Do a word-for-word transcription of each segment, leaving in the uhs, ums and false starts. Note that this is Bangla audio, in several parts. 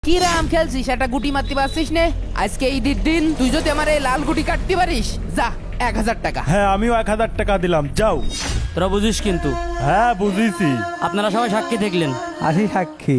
কি রাম খেলছিস, একটা গুটি মারতে পারছিস নে? আজকে ঈদের দিন তুই যদি আমার এই লাল গুটি কাটতে পারিস, যা এক হাজার টাকা। হ্যাঁ আমিও এক হাজার টাকা দিলাম, যাও। তোরা বুঝিস কিন্তু। হ্যাঁ বুঝিছি। আপনারা সবাই সাক্ষী দেখলেন। আসি সাক্ষী।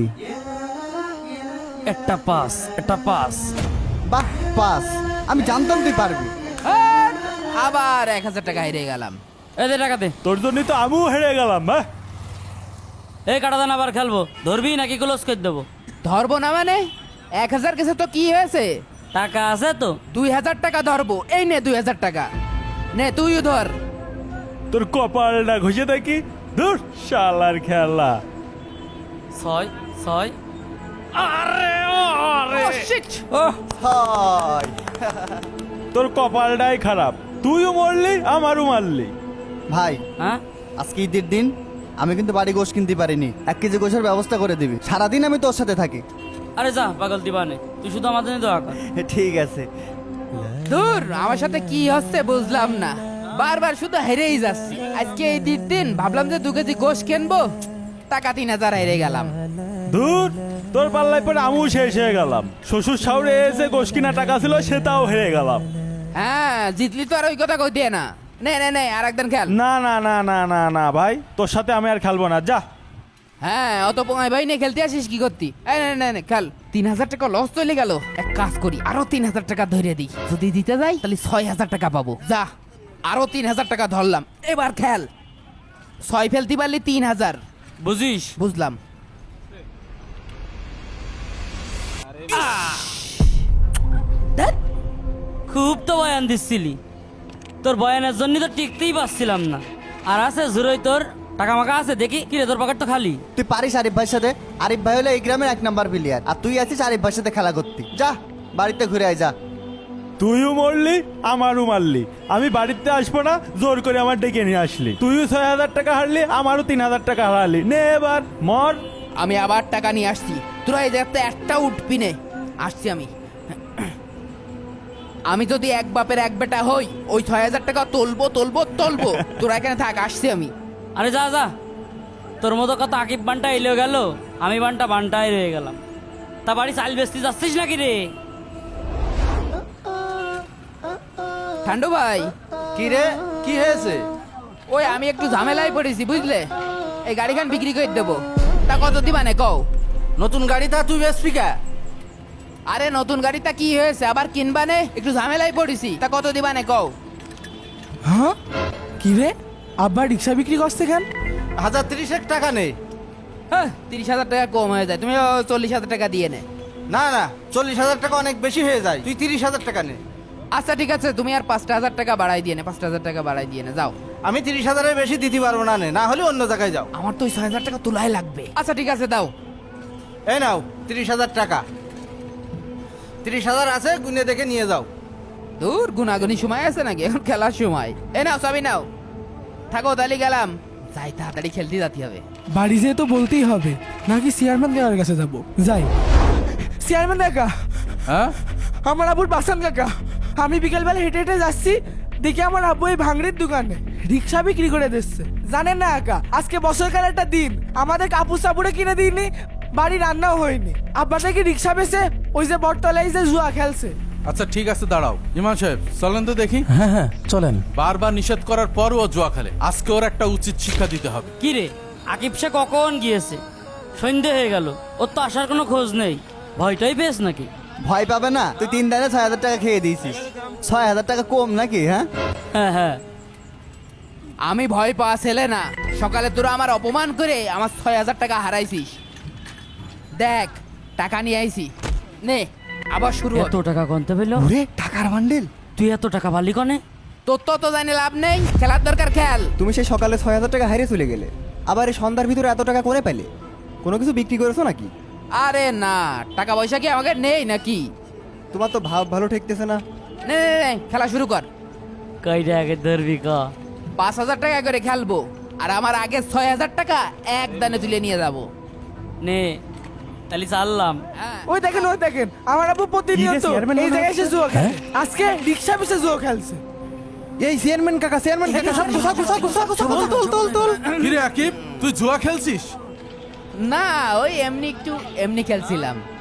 একটা পাস, একটা পাস। বাহ পাস, আমি জানতাম তুই পারবি। আর আবার এক হাজার টাকা হেরে গেলাম। এদের টাকাতে তোর জন্যই তো আমিও হেরে গেলাম। হ্যাঁ এই কাটাদান আবার খেলবো, ধরবি নাকি ক্লোজ করে দেবো? ধরবো না মানে? এক হাজার কেসে তো কি হয়েছে? টাকা আছে তো? দুই হাজার টাকা ধরবো। এই নে দুই হাজার টাকা, নে তুইও ধর। তোর কপালটা ঘষে দেখি। ধুর শালার খেলা। ছয় ছয়। আরে আরে Oh, shit! ওহ, হাই তোর কপালটাই খারাপ, তুইও মরলি আমারও মারলি। ভাই, হ্যাঁ আজকে ঈদের দিন আমি কিন্তু বাড়ি গোশ কিনতে পারিনি। এক কেজি গোশের ব্যবস্থা করে দিবি, সারাদিন আমি তোর সাথে থাকি। আরে যা পাগল দিবানে, তুই শুধু আমাদের নিয়ে দোয়া কর। ঠিক আছে। দূর, আমার সাথে কি হচ্ছে বুঝলাম না, বারবার শুধু হেরেই যাচ্ছি। আজকে এই ঈদের দিন ভাবলাম যে দু কেজি গোশ কিনবো, টাকা তিন হাজার হেরে গেলাম। ধুর, তোর পাল্লায় পরে আমিও শেষ হয়ে গেলাম। শ্বশুর শাশুড়ি এসে গোশ কিনা টাকা ছিল সেটাও হেরে গেলাম। হ্যাঁ, জিতলি তো আর ওই কথা কই দিয়ে না। নে নে নে আর একদিন খেল। না না না না না না ভাই, তোর সাথে আমি আর খেলবো না, যা। হ্যাঁ, অত পোঙায় ভাই নে খেলতে আসিস কি করতি? এই নে নে নে খেল। তিন হাজার টাকা লস চলে গেল। এক কাজ করি, আরো তিন হাজার টাকা ধরে দিই। যদি দিতে যাই তাহলে ছয় হাজার টাকা পাবো। যা, আরো তিন হাজার টাকা ধরলাম। এবার খেল। ছয় ফেলতে পারলি তিন হাজার। বুঝিস? বুঝলাম। ধ্যাৎ, খুব তো বয়ান দিচ্ছিলি, তোর বয়ানের জন্য তো টিকতেই পারছিলাম না। আর আছে জুরোই তোর টাকা মাকা আছে দেখি, কি রে তোর পকেট তো খালি। তুই পারিস আরিফ ভাইয়ের সাথে? আরিফ ভাই হলো এই গ্রামের এক নাম্বার প্লেয়ার, আর তুই আছিস আরিফ ভাইয়ের সাথে খেলা করতি। যা বাড়িতে ঘুরে আয়, যা। তুইও মরলি আমারও মারলি, আমি বাড়িতে আসবো না, জোর করে আমার ডেকে নিয়ে আসলি। তুইও ছয় হাজার টাকা হারলি, আমারও তিন হাজার টাকা হারালি। নে এবার মর। আমি আবার টাকা নিয়ে আসছি। তোরা এই জায়গাতে একটা উঠবি নে। আসছি আমি। আমি যদি এক বাপের এক বেটা হই, ওই ছয় হাজার টাকা তুলবো তুলবো তুলবো। তোরা এখানে থাক, আসছি আমি। আরে যা যা, তোর মতো কত আকিব বানটা এলেও গেল, আমি বানটা বানটাই রয়ে গেলাম। তা বাড়ি চাল বেচতে যাচ্ছিস নাকি রে? ঠান্ডু ভাই, কি রে, কি হয়েছে? ওই আমি একটু ঝামেলায় পড়েছি বুঝলে। এই গাড়িখান বিক্রি করে দেবো। তা কত দিবা নে কও? নতুন গাড়িটা তুই বেচবি কে? আরে নতুন গাড়িটা কি হয়েছে, আবার কিনবা নে? একটু ঝামেলায় পড়েছি, তা কত দিবা নে কও? হ্যাঁ কি রে, আব্বা রিক্সা বিক্রি করছে কেন? হাজার তিরিশ এক টাকা নেই। হ্যাঁ, তিরিশ হাজার টাকা কম হয়ে যায়, তুমি ও চল্লিশ হাজার টাকা দিয়ে নে। না না, চল্লিশ হাজার টাকা অনেক বেশি হয়ে যায়, তুই তিরিশ হাজার টাকা নে। আচ্ছা ঠিক আছে, তুমি আর পাঁচটা হাজার টাকা বাড়াই দিয়ে নে, পাঁচটা হাজার টাকা বাড়াই দিয়ে নে, যাও। আমি তিরিশ হাজারের বেশি দিতে পারবো না, নে না হলে অন্য জায়গায় যাও। আমার তো ওই ছয় হাজার টাকা তোলাই লাগবে। আচ্ছা ঠিক আছে, দাও। এই নাও তিরিশ হাজার টাকা। তিরিশ হাজার আছে, গুনে দেখে নিয়ে যাও। দূর, গুনাগুনি সময় আছে নাকি, এখন খেলার সময়। এ নাও সবই নাও, থাকো তাহলে গেলাম। যাই, তাড়াতাড়ি খেলতে যেতে হবে। বাড়ি যেয়ে তো বলতেই হবে, নাকি চেয়ারম্যান কাকার কাছে যাব? যাই। চেয়ারম্যান কাকা, হ্যাঁ আমার আব্বুর বাসান কাকা, আমি বিকেলবেলা হেঁটে হেঁটে যাচ্ছি, দেখি আমার আব্বু এই ভাঙড়ির দোকানে রিক্সা বিক্রি করে দিচ্ছে। জানেন না কাকা, আজকে বছরকাল একটা দিন, আমাদের কাপড় সাপুড়ে কিনে দিইনি, বাড়ি রান্নাও হয়নি। আব্বা থেকে রিক্সা বেচে ওই যে বটতলায় যে জুয়া খেলছে। আচ্ছা ঠিক আছে, দাঁড়াও। ইমাম সাহেব চলেন তো দেখি। হ্যাঁ হ্যাঁ চলেন। বারবার নিষেধ করার পরও ও জুয়া খেলে, আজকে ওর একটা উচিত শিক্ষা দিতে হবে। কি রে, আকিব সে কখন গিয়েছে? সন্ধে হয়ে গেল, ওর তো আসার কোনো খোঁজ নেই। ভয়টাই পেয়েছ নাকি? ভয় পাবে না, তুই তিন দিনে ছয় হাজার টাকা খেয়ে দিয়েছিস। ছয় হাজার টাকা কম নাকি? হ্যাঁ হ্যাঁ হ্যাঁ। আমি ভয় পাওয়া ছেলে না। সকালে তোরা আমার অপমান করে আমার ছয় হাজার টাকা হারাইছিস। দেখ, টাকা নিয়ে আইছি, নে আবার শুরু এত হবে। টাকা গনতে পেল? ওরে টাকার বান্ডেল। তুই এত টাকা পারলি কনে? তোর তো তো জানি লাভ নেই, খেলার দরকার খেল। তুমি সেই সকালে ছয় হাজার টাকা হারিয়ে চলে গেলে, আবার এই সন্ধ্যার ভিতরে এত টাকা করে পেলে? কোনো কিছু বিক্রি করেছো নাকি? আরে না, টাকা পয়সা কি আমাকে নেই নাকি? তোমার তো ভাব ভালো ঠেকতেছে না। নে নে নে, খেলা শুরু কর। কয়টা আগে ধরবি ক? পাঁচ হাজার টাকা করে খেলবো, আর আমার আগে ছয় হাজার টাকা এক দানে তুলে নিয়ে যাবো। নে তাহলে চাললাম। হ্যাঁ। ওই দেখেন, ওই দেখেন, আমার আব্বু প্রতিনিয়ত চেয়ারম্যান এই মনে জায়গায় এসে হচ্ছে? জুয়া খেলে। আজকে রিক্সা বেচে জুয়া খেলছে। এই চেয়ারম্যান কাকা, চেয়ারম্যান কাকা, সব সব সব সব সব তোল তোল তোল। কিরে আকিব, তুই জুয়া খেলছিস? না, ওই এমনি একটু এমনি খেলছিলাম।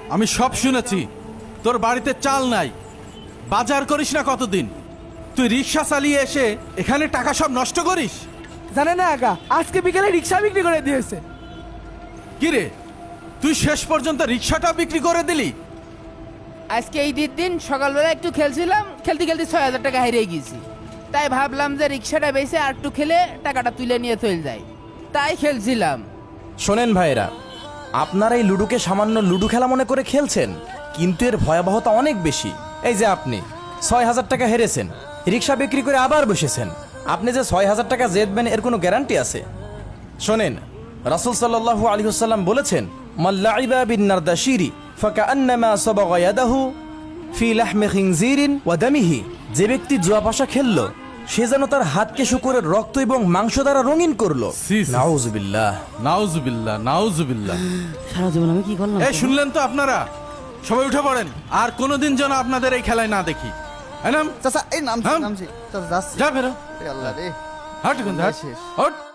আমি সব শুনেছি। তোর বাড়িতে চাল নাই, বাজার করিস না কতদিন, তুই রিক্সা চালিয়ে এসে এখানে টাকা সব নষ্ট করিস। জানেন না একা আজকে বিকেলে রিক্সা বিক্রি করে দিয়েছে। কিরে, তুই শেষ পর্যন্ত রিক্সাটা বিক্রি করে দিলি? আজকে এই দিন দিন সকালবেলা একটু খেলছিলাম, খেলতে খেলতে ছয় হাজার টাকা হারিয়ে গেছি। তাই ভাবলাম যে রিক্সাটা বেঁচে আর একটু খেলে টাকাটা তুলে নিয়ে চলে যাই, তাই খেলছিলাম। শোনেন ভাইরা, আপনারা এই লুডুকে সামান্য লুডু খেলা মনে করে খেলছেন, কিন্তু এর ভয়াবহতা অনেক বেশি। এই যে আপনি ছয় হাজার টাকা হেরেছেন, রিক্সা বিক্রি করে আবার বসেছেন, আপনি যে ছয় হাজার টাকা জেতবেন এর কোনো গ্যারান্টি আছে? শোনেন, রাসূল সাল্লাল্লাহু আলাইহি ওয়াসাল্লাম বলেছেন, মাল্লাইবা বিন নারদাশিরি ফাকান্নামা সাবাগা ইয়াদাহু ফি লাহমি খিনজিরিন ওয়া দামিহি। যে ব্যক্তি জুয়া পাশা খেললো সে যেন তার হাতকে শুকরের রক্ত এবং মাংস দ্বারা রঙিন করলো। সি, সি। নাউজুবিল্লাহ। নাউজুবিল্লাহ, নাউজুবিল্লাহ। সারা জীবন আমি কি করলাম? এই শুনলেন তো আপনারা, সবাই উঠে পড়েন, আর কোনোদিন যেন আপনাদের এই খেলায় না দেখি। এই নাম, চাচা এই নামছি হাম। নামছি চাচা যাচ্ছি। যা ফেরো, এ আল্লাহ রে হাট এখান থেকে, হাট। শেষ। হাট।